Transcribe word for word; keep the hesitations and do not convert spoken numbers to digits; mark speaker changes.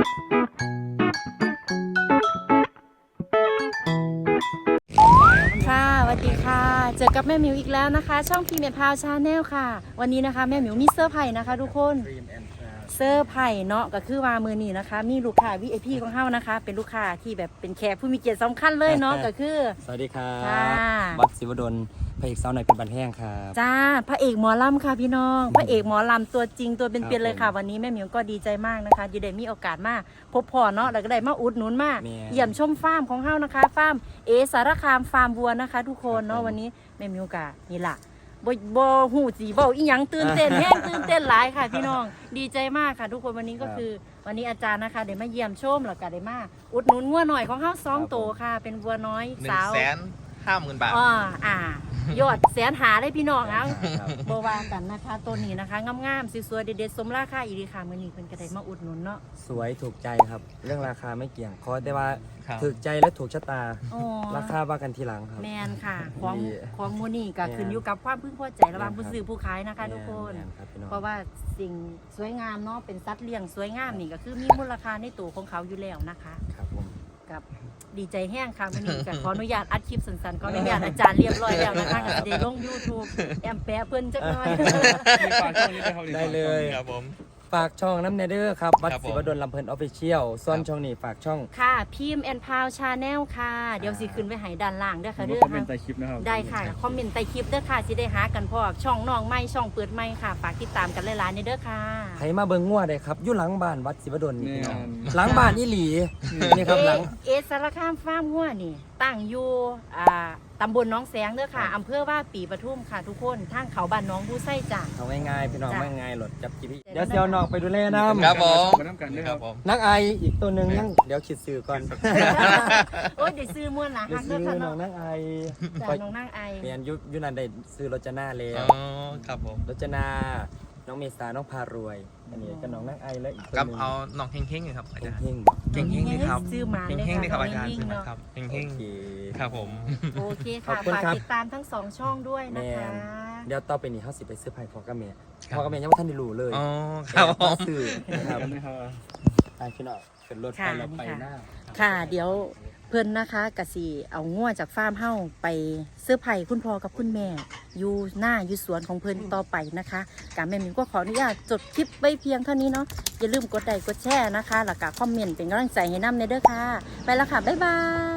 Speaker 1: ค่ะสวัสดีค่ะเจอกับแม่หมิวอีกแล้วนะคะช่องพีเมทพาวชาแนลค่ะวันนี้นะคะแม่หมิวมีเสื้อไผ่นะคะทุกคนเสื้อไผ่เนาะก็คือว่ามือนี้นะคะมีลูกค้า วี ไอ พี ของเฮานะคะเป็นลูกค้าที่แบบเป็นแขกผู้มีเกียรติสำคัญเลยเนาะก็คือ
Speaker 2: สวัสดีครับ
Speaker 1: ค่ะ
Speaker 2: วัดศิวดลพระเอกสาวหน่อยเป็นบันแห้งครับ
Speaker 1: จ้าพระเอกหมอลำค่ะพี่น้องพระเอกหมอลำตัวจริงตัวเป็นๆเลยค่ะวันนี้แม่หมิวก็ดีใจมากนะคะที่ได้มีโอกาสมาพบพ่อเนาะแล้วก็ได้มาอุดหนุนมาเยี่ยมชมฟาร์มของเฮานะคะฟาร์มเอสารคามฟาร์มวัวนะคะทุกคนเนาะวันนี้แม่หมิวกะนี่ล่ะบ่บ่หูสีบ่อีหยังตื่นเต้นแห้งตื่นเต้นหลายค่ะพี่น้องดีใจมากค่ะทุกคนวันนี้ก็คือวันนี้อาจารย์นะคะได้มาเยี่ยมชมแล้วก็ได้มาอุดหนุนงัวหน่อยของเฮาสองโตค่ะเป็นวัวน้อยสาว
Speaker 3: หนึ่งแสนห้าหมื่นบาท
Speaker 1: อ๋ออ่ายอดแสนหาเลยพี่น้องเอาโบวากันนะคะตัวนี้นะคะงามๆสวยๆเด็ดๆสมราคาอีดีค่ะมื้อนี้เพิ่นก็ได้มาอุดหนุนเนาะ
Speaker 2: สวยถูกใจครับ เรื่องราคาไม่เกี่ยงขอแต่ว่า
Speaker 3: ครับ
Speaker 2: ถูกใจและถูกชะตา
Speaker 1: อ๋อ
Speaker 2: ราคาว่ากันทีหลังครับ
Speaker 1: แมนค่ะของ
Speaker 2: ดี
Speaker 1: ของมูนี่ก็
Speaker 2: แม่น
Speaker 1: ขึ้นอยู่กับความพึงพอใจระหว่างผู้ซื้อผู้ขายนะคะทุกคน
Speaker 2: แม่ครับพี่น้อง
Speaker 1: เพราะว่าสิ่งสวยงามเนาะเป็นสัตว์เลี้ยงสวยงามนี่ก็คือมีมูลค่าในตัวของเขาอยู่แล้วนะคะ
Speaker 2: ครับผม
Speaker 1: กับดีใจแห้งค่ะวันนี้ก็ขออนุญาตอัดคลิปสั้นๆขออนุญาตอาจารย์เรียบร้อยแล้วนะคะก็จะได้ลง ยูทูบ แอมแปะเพิ่นจักหน่อย
Speaker 2: ได้เลย
Speaker 3: ครับผม
Speaker 2: ฝากช่องน้ำเนเดอร์ครับวัด
Speaker 3: ครับผม
Speaker 2: ศิวดลลำเพลินออฟฟิเชียลส่วน
Speaker 3: ครับ
Speaker 2: ช่องนี้ฝากช่อง
Speaker 1: ค่ะพิมพ์แอนพาวชาแนลค่ะ เดี๋ยวสิขึ้นไปให้ด้านล่างเด้อค่ะ
Speaker 4: เรื่
Speaker 1: เด้
Speaker 4: อ
Speaker 1: อง
Speaker 4: คอมเมน
Speaker 1: ค่ะ
Speaker 4: ต์ใต้คลิปนะครับ
Speaker 1: ได้ค่ะคอมเมนต์ใต้คลิปเด้อค่ะสิได้หากันพอช่องน้องใหม่ช่องเปิดใหม่ค่ะฝากติดตามกันหลายๆในเด้อค่ะ
Speaker 2: ใครมาเบิ่งงัวได้ครับอยู่หลังบ้านวัดศิวดลนี่
Speaker 4: นี่
Speaker 2: พี่น้อง
Speaker 4: งาน
Speaker 2: หลังบ้านอีหลีนี่ครับหลัง
Speaker 1: เอสารคามฟาร์มหัวนี่ตั้งอยู่อ่าตำบลหน้องแสงเด้อค่ะอำเภอว่าปีปทุมค่ะทุกคนทางเขาบ้านน้องผู้ไส้จ้ะ
Speaker 2: เอาง่ายๆพี่น้อง
Speaker 1: จ้ะ
Speaker 2: ไม่ง่ายหลดจับจีพีเดี๋ยวเซียวน้องไปดูแลน้ำ
Speaker 3: ครับผม
Speaker 4: มาน้ำกันด้วย
Speaker 3: ค
Speaker 4: ค
Speaker 3: รั
Speaker 4: รั
Speaker 3: บบ ผม
Speaker 2: นักไออีกตัวหนึ่งยังเดี๋ยวคิดซื้อก่อน
Speaker 1: โอ้ยเดี๋ยวซื้อม้วนหนะ
Speaker 2: เดี๋ย
Speaker 1: ฮั
Speaker 2: ว
Speaker 1: ก
Speaker 2: ซื้
Speaker 1: เด้อค่ะ
Speaker 2: อน้อ
Speaker 1: เนาะ
Speaker 2: งนักไอ
Speaker 1: จ้ะน้องนางไอ
Speaker 2: เมียนยุยุนันได้ซื้อรจนาแล้
Speaker 3: อ๋
Speaker 2: ว
Speaker 3: อครับผม
Speaker 2: รจนา น้องเมษาน้องพารวย อันนี้ก็น้องนักไอแล้วอีกตัว
Speaker 3: กับ
Speaker 2: หนึง
Speaker 3: เอาน้องเฮงเฮงๆครับอาจารย์
Speaker 2: เพ่งๆบอก
Speaker 3: เฮงเฮงๆนี่ครับ
Speaker 1: ซื้อหมา
Speaker 3: เฮง
Speaker 1: ด้อ
Speaker 3: เฮงๆนี่ครับอาจารย์
Speaker 1: เฮงๆเนาะ
Speaker 3: ครับเฮงเฮ
Speaker 2: โอง เค
Speaker 3: ๆครับผม
Speaker 1: โอเค
Speaker 2: ขอบ
Speaker 1: ค่ะ
Speaker 2: คุณ
Speaker 1: ฝาก
Speaker 2: ครับ
Speaker 1: ติดตามทั้งสองช่องด้วยนะ
Speaker 2: แม่
Speaker 1: คะ
Speaker 2: น เดี๋ยวต่อไปนี้เขาสิไปซื้อไผ่พอกับเมีย
Speaker 3: ครับ
Speaker 2: พอกับเมียยังไม่ทันได้รู้เลย
Speaker 3: อ๋อครับผ
Speaker 2: มาม ซื้อนะครับ
Speaker 4: กันนะครับ
Speaker 2: ไปพี่น้องขึ้นรถไป
Speaker 1: ค่ะ
Speaker 2: แล้วไป
Speaker 1: นี่ค่ะ
Speaker 2: หน้า
Speaker 1: ค่ะเดี๋ยวเพื่อนนะคะกะสีเอาง่วจากฟาร์มเฮ้าไปเสื้อไผ่คุณพ่อกับคุณแม่ อยู่หน้าอยู่สวนของเพื่อนต่อไปนะคะการแม่หมิวก็ขออนุญาตจดคลิปไว้เพียงเท่านี้เนาะอย่าลืมกดไลค์กดแชร์นะคะแล้วก็คอมเมนต์เป็นกำลังใจให้น้ำในเด้อค่ะ ไปแล้วค่ะ บ๊ายบาย